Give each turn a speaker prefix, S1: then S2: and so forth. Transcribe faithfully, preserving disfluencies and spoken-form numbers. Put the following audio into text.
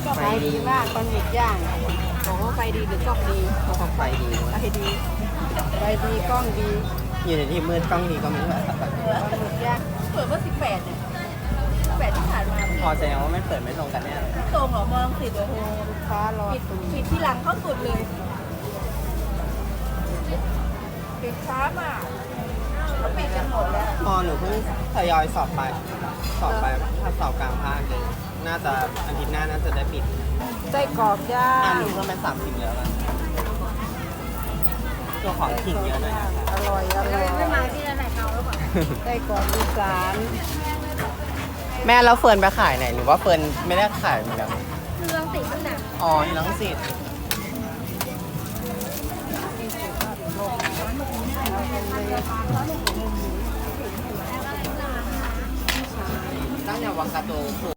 S1: ไฟดีมากปลาหมึกย่างบอกว่าไฟดีหรือกล้องดี
S2: เพราะเขาไฟดี
S1: ไฟดีไฟดีกล้องดี
S2: อยู่ในที่มืดกล้องดีก็ไม่ว่าแบบ
S1: ปลาหมึกย่างเปิดว่าสิบแปดเนี่ยสิบแปดที่ผ่านมา
S2: พอแสดงว่าไม่เปิดไม่ตรงกันเนี่ย
S1: ตรงเหรอมองสิโอ้โหลูกค้ารอปิดปิดที่หลังเข้าสุดเลยปิดช้ามากเขาปิดกันหมดแล้ว
S2: พอหนูเพิ่งทยอยสอบไป สอบไปถ้าสอบกลางภาคเลยน่าจะอาทิตย์หน้าน่าจะได้ปิด
S1: ไส้กรอกย่า
S2: อ่าง หนูเพิ่มเป็นสามสิบแล้วนะตัวของขิงเยอะหน่อยนะ
S1: อร่อยอร่อย
S3: ไม่มาที่ไหนเขาหรือเปล่า
S1: ไส้กรอกอีสาน
S2: แม่แล้วเฟิร์นไปขายไหนหรือว่าเฟิร์นไม่ได้ขายเหมือนกัน
S3: คือรังติดตั้งแต่
S2: อ๋อที่ลังสิตตั้งแต่วังกะโตผู